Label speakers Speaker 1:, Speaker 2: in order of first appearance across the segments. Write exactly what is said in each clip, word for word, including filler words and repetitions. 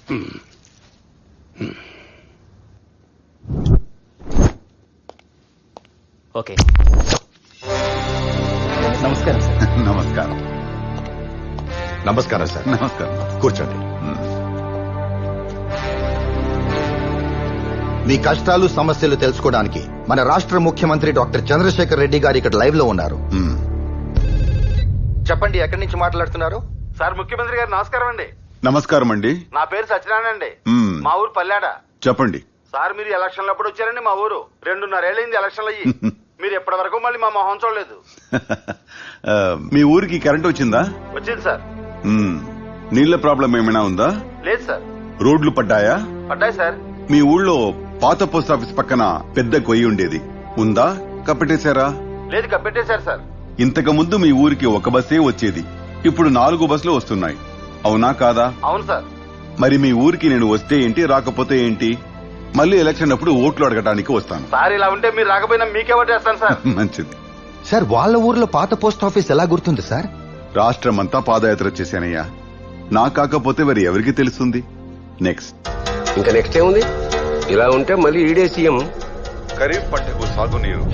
Speaker 1: Okay నమస్కారం sir.
Speaker 2: నమస్కారం.
Speaker 3: నమస్కారం సార్.
Speaker 2: నమస్కారం.
Speaker 3: కూర్చోండి. మీ కష్టాలు సమస్యలు తెలుసుకోవడానికి మన రాష్ట్ర ముఖ్యమంత్రి డాక్టర్ చంద్రశేఖర్ రెడ్డి గారు ఇక్కడ లైవ్ లో ఉన్నారు.
Speaker 2: మ్మ్.
Speaker 3: చెప్పండి, ఎక్కడి నుంచి మాట్లాడుతున్నారు?
Speaker 4: సార్ ముఖ్యమంత్రి గారు నమస్కారం అండి.
Speaker 2: నమస్కారం అండి.
Speaker 4: నా పేరు సత్యనారాయణ అండి.
Speaker 2: మ్మ్.
Speaker 4: మా ఊరు పల్లాడ.
Speaker 2: చెప్పండి.
Speaker 4: సార్ మీరు ఎలక్షన్లు అప్పుడు వచ్చారండి మా ఊరు. రెండున్నరేళ్ళైంది ఎలక్షన్లు అయ్యి. మీరు ఎప్పటి వరకు మళ్ళీ మా మొహం చూడలేదు.
Speaker 2: ఆ, మీ ఊరికి కరెంట్ వచ్చిందా?
Speaker 4: వచ్చింది సార్.
Speaker 2: మ్మ్. నీళ్ల ప్రాబ్లం ఏమైనా ఉందా?
Speaker 4: లేదు సార్.
Speaker 2: రోడ్లు పడ్డాయా?
Speaker 4: పడ్డాయి సార్.
Speaker 2: మీ ఊళ్ళో పాత పోస్ట్ ఆఫీస్ పక్కన పెద్ద కొయ్యి ఉండేది, ఉందా? కప్పెట్టేశారా?
Speaker 4: లేదు కప్పెట్టేశారు సార్.
Speaker 2: ఇంతకు ముందు మీ ఊరికి ఒక బస్సే వచ్చేది, ఇప్పుడు నాలుగు బస్సులు వస్తున్నాయి, అవునా కాదా?
Speaker 4: అవును సార్.
Speaker 2: మరి మీ ఊరికి నేను వస్తే ఏంటి, రాకపోతే ఏంటి? మళ్ళీ ఎలక్షన్ అప్పుడు ఓట్లు అడగటానికి వస్తాను.
Speaker 4: సార్ ఇలా ఉంటే మీరు రాకపోయినా మీకే ఓటు వేస్తాను సార్.
Speaker 2: మంచిది.
Speaker 3: సార్, వాళ్ళ ఊర్లో పాత పోస్ట్ ఆఫీస్ ఎలా గుర్తుంది సార్?
Speaker 2: రాష్ట్రమంతా పాదయాత్ర చేశానయ్యా, నా కాకపోతే మరి ఎవరికి తెలుస్తుంది? నెక్స్ట్
Speaker 5: ఇంకా నెక్స్ట్ ఏముంది? ఇలా ఉంటే మళ్ళీ ఈడే సీఎం.
Speaker 2: ఖరీఫ్ పంటకు సాగునీరు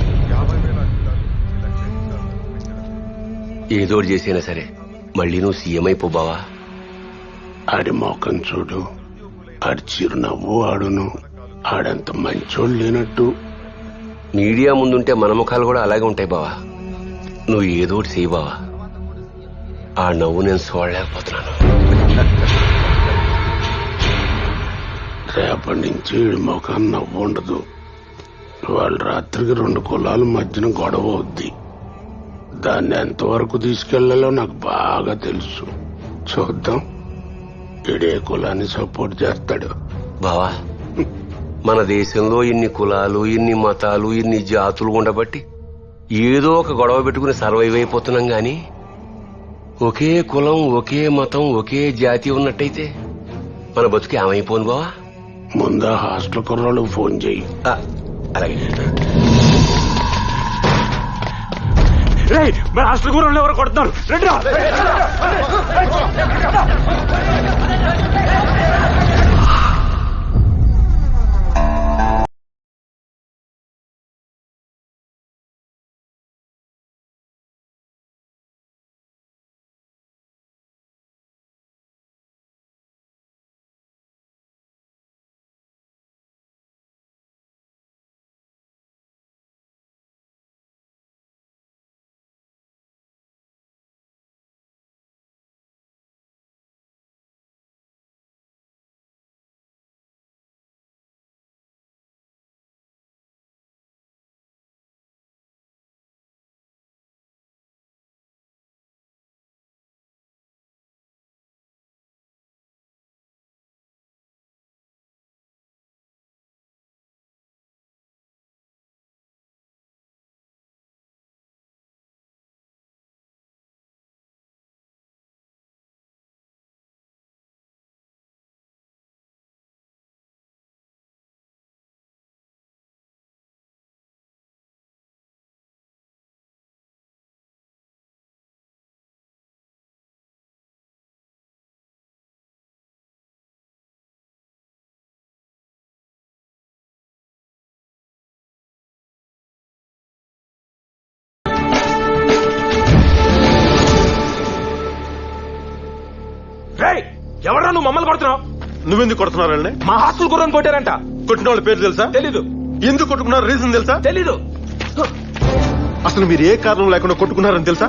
Speaker 5: ఏదోటి చేసినా సరే మళ్ళీ నువ్వు సీఎం అయిపోబావా.
Speaker 6: ఆడి మోకం చూడు, ఆడి చిరునవ్వు ఆడును, ఆడంత మంచోడు లేనట్టు.
Speaker 5: మీడియా ముందుంటే మన ముఖాలు కూడా అలాగే ఉంటాయి బావా. నువ్వు ఏదోటి చేయి బావా. ఆ నవ్వు నేను చూడలేకపోతున్నాను.
Speaker 6: రేపటి నుంచి ఈడి ముఖం నవ్వు ఉండదు. వాళ్ళ రాత్రికి రెండు కులాల మధ్యన గొడవ అవుద్ది. దాన్ని ఎంతవరకు తీసుకెళ్లాలో నాకు బాగా తెలుసు. చూద్దాం ఈడే కులాన్ని సపోర్ట్ చేస్తాడు.
Speaker 5: బావా, మన దేశంలో ఇన్ని కులాలు, ఇన్ని మతాలు, ఇన్ని జాతులు ఉండబట్టి ఏదో ఒక గొడవ పెట్టుకుని సర్వైవ్ అయిపోతున్నాం గాని ఒకే కులం, ఒకే మతం, ఒకే జాతి ఉన్నట్టయితే మన బతుకు ఏమైపోను బావా.
Speaker 6: ముందా హాస్టల్ కుర్రాళ్ళకు ఫోన్ చెయ్యి.
Speaker 5: ఆ, అలాగే.
Speaker 4: మన హాస్టల్ కూర ఎవరు కొడుతున్నారు? ఎవరా నువ్వు మమ్మల్ని కొడుతున్నావు?
Speaker 7: నువ్వెందుకు కొడుతున్నారండి?
Speaker 4: మా హాస్టల్ గుర్రం కొట్టారంట.
Speaker 7: కొట్టిన వాళ్ళ పేరు తెలుసా?
Speaker 4: తెలీదు.
Speaker 7: ఎందుకు కొట్టుకున్నారు రీజన్ తెలుసా?
Speaker 4: తెలీదు.
Speaker 7: అసలు మీరు ఏ కారణం లేకుండా కొట్టుకున్నారని తెలుసా?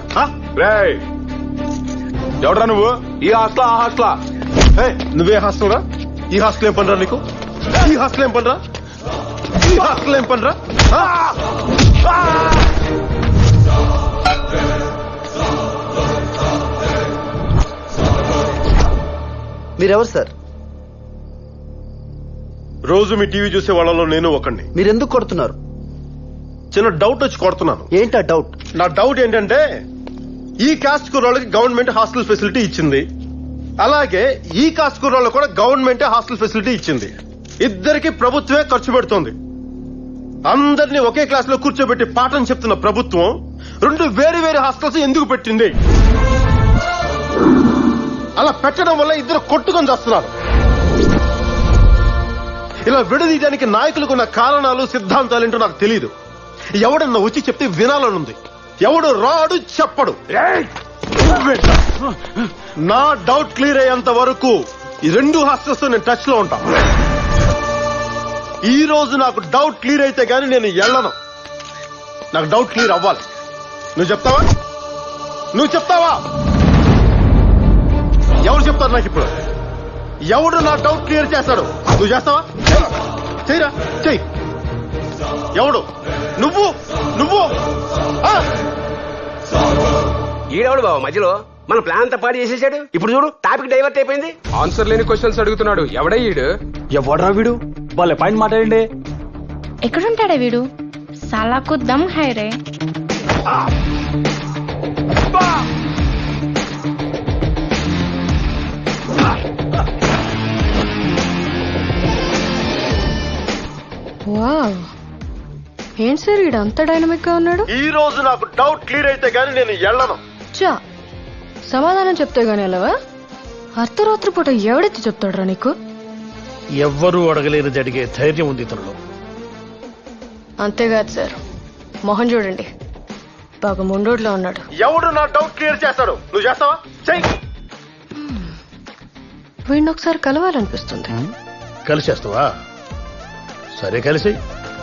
Speaker 4: ఎవడరా నువ్వు? ఈ హాస్టల్ ఆ హాస్టలా?
Speaker 7: నువ్వే హాస్టల్ రా? ఈ హాస్టల్ ఏం పనిరా నీకు? ఈ హాస్టల్ ఏం పనిరా? ఈ హాస్టల్ ఏం పనిరా?
Speaker 3: మీరెవరు సార్?
Speaker 7: రోజు మీ టీవీ చూసే వాళ్ళలో నేను ఒకడిని.
Speaker 3: మీరెందుకు కొడుతున్నారు?
Speaker 7: చిన్న డౌట్ వచ్చి కొడుతున్నాను.
Speaker 3: ఏంటా డౌట్?
Speaker 7: నా డౌట్ ఏంటంటే, ఈ కాస్ట్ కుర్రాళ్ళకి గవర్నమెంట్ హాస్టల్ ఫెసిలిటీ ఇచ్చింది, అలాగే ఈ కాస్ట్ కుర్రాళ్ళకు కూడా గవర్నమెంట్ హాస్టల్ ఫెసిలిటీ ఇచ్చింది. ఇద్దరికి ప్రభుత్వమే ఖర్చు పెడుతోంది. అందరినీ ఒకే క్లాస్ లో కూర్చోబెట్టి పాఠం చెప్తున్న ప్రభుత్వం రెండు వేరు వేరు హాస్టల్స్ ఎందుకు పెట్టింది? అలా పెట్టడం వల్ల ఇద్దరు కొట్టుకొని చేస్తున్నారు. ఇలా విడదీయడానికి నాయకులకు ఉన్న కారణాలు సిద్ధాంతాలు ఏంటో నాకు తెలియదు. ఎవడన్నా వచ్చి చెప్తే వినాలనుంది. ఎవడు రాడు చెప్పడు. నువ్వేంట్రా? నా డౌట్ క్లియర్ అయ్యేంత వరకు ఈ రెండు హాస్టల్స్ తో నేను టచ్ లో ఉంటా. ఈ రోజు నాకు డౌట్ క్లియర్ అయితే గానీ నేను వెళ్ళను. నాకు డౌట్ క్లియర్ అవ్వాలి. నువ్వు చెప్తావా? నువ్వు చెప్తావా? ఎవరు చెప్తారు నాకు ఇప్పుడు? ఎవడు నా డౌట్ క్లియర్ చేస్తాడు? నువ్వు చేస్తావా? చెయ్యరా, చెయ్యి. ఎవడు? నువ్వు నువ్వు ఆ?
Speaker 5: ఈడెవడు బాబు మధ్యలో మన ప్లాన్ అంతా పాడు చేసేసాడు. ఇప్పుడు చూడు టాపిక్ డైవర్ట్ అయిపోయింది.
Speaker 8: ఆన్సర్ లేని క్వశ్చన్స్ అడుగుతున్నాడు. ఎవడయ్యాడు?
Speaker 1: ఎవడ్రా వీడు? వాళ్ళ పాయింట్ మాట్లాడండి.
Speaker 9: ఎక్కడుంటాడే వీడు? సాలాకు దమ్ హై రే.
Speaker 10: వావ్, ఏంటి సార్ ఈడు అంత డైనమిక్ గా ఉన్నాడు?
Speaker 7: ఈ రోజు నాకు డౌట్ క్లియర్ అయితే గానీ నేను వెళ్ళను.
Speaker 10: చా, సమాధానం చెప్తే గానీ వెళ్ళవా? అర్ధరాత్రి పూట ఎవడెత్తి చెప్తాడురా నీకు?
Speaker 11: ఎవ్వరూ అడగలేని జరిగే ధైర్యం ఉంది ఇతరులో.
Speaker 10: అంతేకాదు సార్, మొహన్ చూడండి, బాగా ముండోడ్లో ఉన్నాడు.
Speaker 7: ఎవడు నా డౌట్ క్లియర్ చేస్తాడు? నువ్వు చేస్తావా? చెయ్యి.
Speaker 10: వీడిని ఒకసారి కలవాలనిపిస్తుంది.
Speaker 11: కలిసేస్తావా? సరే కలిసి.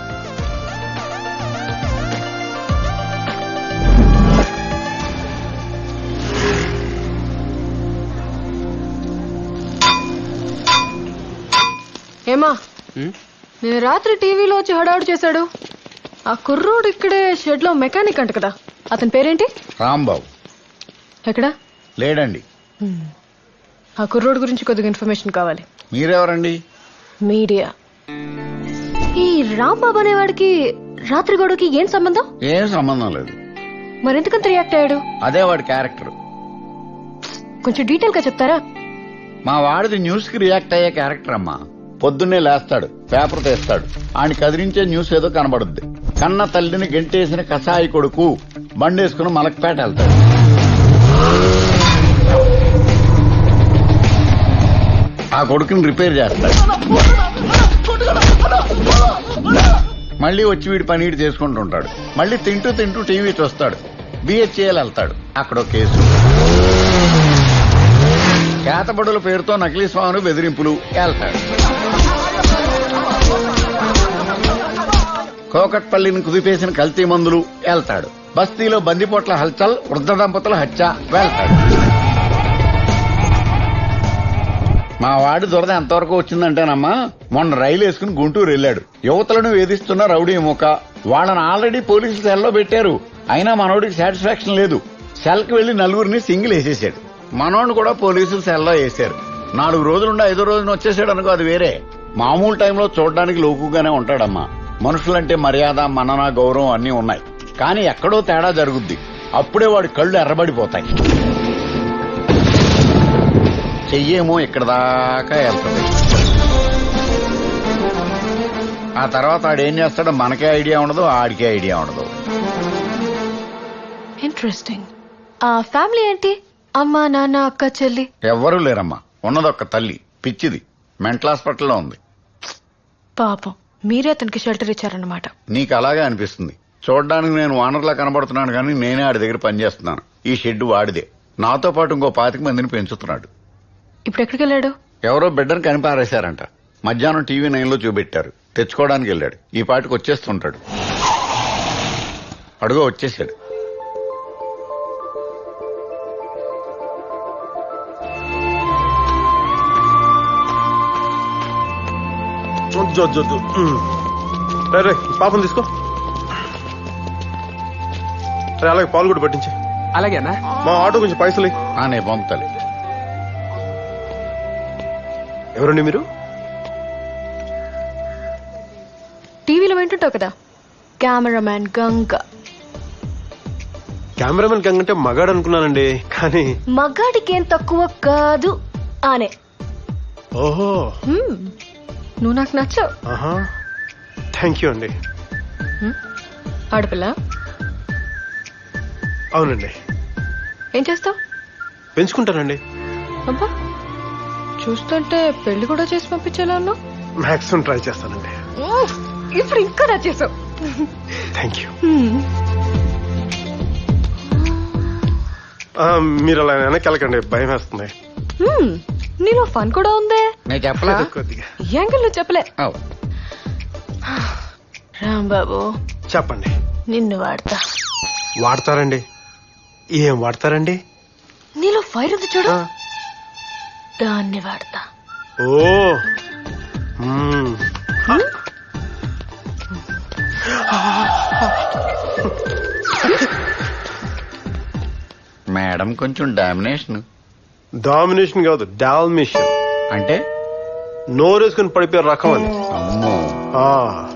Speaker 10: ఏమా, నేను రాత్రి టీవీలో వచ్చి హడావుడు చేశాడు. ఆ కుర్రోడు ఇక్కడే షెడ్ లో మెకానిక్ అంట కదా, అతని పేరేంటి?
Speaker 3: రాంబాబు.
Speaker 10: ఎక్కడా?
Speaker 3: లేడండి.
Speaker 10: ఆ కుర్రోడు గురించి కొద్దిగా ఇన్ఫర్మేషన్ కావాలి.
Speaker 3: మీరెవరండి?
Speaker 10: మీడియా. ఈ రాంబాబు అనేవాడికి రాత్రి గొడవకి ఏం సంబంధం?
Speaker 3: ఏం సంబంధం లేదు.
Speaker 10: మరెందుకంత రియాక్ట్ అయ్యాడు?
Speaker 3: అదే వాడి క్యారెక్టర్.
Speaker 10: కొంచెం డీటెయిల్ గా చెప్తారా?
Speaker 3: మా వాడిది న్యూస్ కి రియాక్ట్ అయ్యే క్యారెక్టర్ అమ్మా. పొద్దున్నే లేస్తాడు, పేపర్ తెస్తాడు, ఆయన కదిలించే న్యూస్ ఏదో కనబడుద్ది. కన్న తల్లిని గెంటేసిన కసాయి కొడుకు బండేసుకుని మలక్పేట వెళ్తాడు. ఆ కొడుకుని రిపేర్ చేస్తాడు. మళ్ళీ వచ్చి వీడి పని వీడు చేసుకుంటుంటాడు. మళ్ళీ తింటూ తింటూ టీవీ చూస్తాడు. బిహెచ్ఏఎల్ వెళ్తాడు, అక్కడో కేసు. కేతబడుల పేరుతో నకిలీ స్వామిని బెదిరింపులు వెళ్తాడు. కోకట్పల్లిని కుదిపేసిన కల్తీ మందులు వెళ్తాడు. బస్తీలో బందిపోట్ల హల్చల్, వృద్ధ దంపతుల హత్య వెళ్తాడు. మా వాడి దురద ఎంతవరకు వచ్చిందంటేనమ్మా, మొన్న రైలు వేసుకుని గుంటూరు వెళ్లాడు. యువతలను వేధిస్తున్న రౌడీ ముఖ. వాళ్ళని ఆల్రెడీ పోలీసులు సెల్లో పెట్టారు. అయినా మనోడికి సాటిస్ఫాక్షన్ లేదు. సెల్ కి వెళ్లి నలుగురిని సింగిల్ వేసేసాడు. మనోడిని కూడా పోలీసులు సెల్లో వేశారు. నాలుగు రోజులుండి ఐదో రోజున వచ్చేసాడు అనుకో, అది వేరే. మామూలు టైంలో చూడడానికి లోకుగానే ఉంటాడమ్మా. మనుషులంటే మర్యాద, మనన, గౌరవం అన్నీ ఉన్నాయి. కానీ ఎక్కడో తేడా జరుగుద్ది. అప్పుడే వాడి కళ్ళు ఎర్రబడిపోతాయి. చెయ్యేమో ఇక్కడ దాకా వెళ్తుంది. ఆ తర్వాత ఆడేం చేస్తాడో మనకే ఐడియా ఉండదు, ఆడికే ఐడియా ఉండదు.
Speaker 10: ఇంట్రెస్టింగ్. ఆ ఫ్యామిలీ ఏంటి? అమ్మా, నాన్న, అక్క, చెల్లి?
Speaker 3: ఎవ్వరూ లేరమ్మా. ఉన్నదొక్క తల్లి, పిచ్చిది, మెంటల్ హాస్పిటల్లో ఉంది.
Speaker 10: పాపం, మీరే అతనికి షెల్టర్ ఇచ్చారన్నమాట.
Speaker 3: నీకు అలాగే అనిపిస్తుంది. చూడడానికి నేను వానర్లా కనబడుతున్నాను, కానీ నేనే ఆడి దగ్గర పనిచేస్తున్నాను. ఈ షెడ్ వాడిదే. నాతో పాటు ఇంకో పాతిక మందిని పెంచుతున్నాడు.
Speaker 10: ఇప్పుడు ఎక్కడికి వెళ్ళాడు?
Speaker 3: ఎవరో బిడ్డను కనిపారేశారంట. మధ్యాహ్నం టీవీ నైన్ లో చూపెట్టారు. తెచ్చుకోవడానికి వెళ్ళాడు. ఈ పాటికి వచ్చేస్తుంటాడు. అడుగో వచ్చేసాడు.
Speaker 7: వద్దు, వద్దు, వద్దు. రే, రే, పాపం తీసుకో. రే, అలాగే పాలు కూడా పట్టించి.
Speaker 8: అలాగేనా?
Speaker 7: మా ఆటో కొంచెం పైసలు.
Speaker 3: ఆ, నేను పంపుతాలి.
Speaker 7: ఎవరండి మీరు?
Speaker 10: టీవీలో వింటుంటావు కదా, కెమెరామ్యాన్ గంగ.
Speaker 7: కెమెరామెన్ గంగ అంటే మగాడు అనుకున్నానండి, కానీ
Speaker 10: మగాడికి ఏం తక్కువ కాదు ఆనే.
Speaker 7: ఓహో,
Speaker 10: హ్మ్, నువ్వు నాకు నచ్చావు.
Speaker 7: ఆహా, థ్యాంక్ యూ అండి.
Speaker 10: ఆడపిల్ల?
Speaker 7: అవునండి.
Speaker 10: ఏం చేస్తావు?
Speaker 7: పెంచుకుంటానండి.
Speaker 10: అబ్బా, చూస్తుంటే పెళ్లి కూడా చేసి పంపించేలా ఉన్నావు.
Speaker 7: మాక్సిమం ట్రై చేస్తానండి.
Speaker 10: మ్మ్. ఇప్పుడు ఇంకా నచ్చేసావు.
Speaker 7: Thank you. మీరు అలా వెనక్కి వెళ్ళకండి, భయం వేస్తుంది.
Speaker 10: మ్మ్. నీలో ఫన్ కూడా ఉందే.
Speaker 3: నేను చెప్పలా
Speaker 7: కొద్దిగా
Speaker 10: ఈ యాంగిల్ నువ్వు చెప్పలే.
Speaker 3: అవ్.
Speaker 10: రాంబాబు
Speaker 7: చెప్పండి.
Speaker 10: నిన్ను వాడతా.
Speaker 7: వాడతారండి? ఏం వాడతారండి?
Speaker 10: నీలో ఫైర్ ఉంది చూడు, దాన్ని వాడతా.
Speaker 7: ఓ మ్మ్.
Speaker 3: మేడం కొంచెం డామినేషన్.
Speaker 7: డామినేషన్ కాదు, డాల్మిషన్
Speaker 3: అంటే
Speaker 7: నోరేసుకుని పడిపోయే రకం అని.
Speaker 3: అమ్మో
Speaker 7: ఆ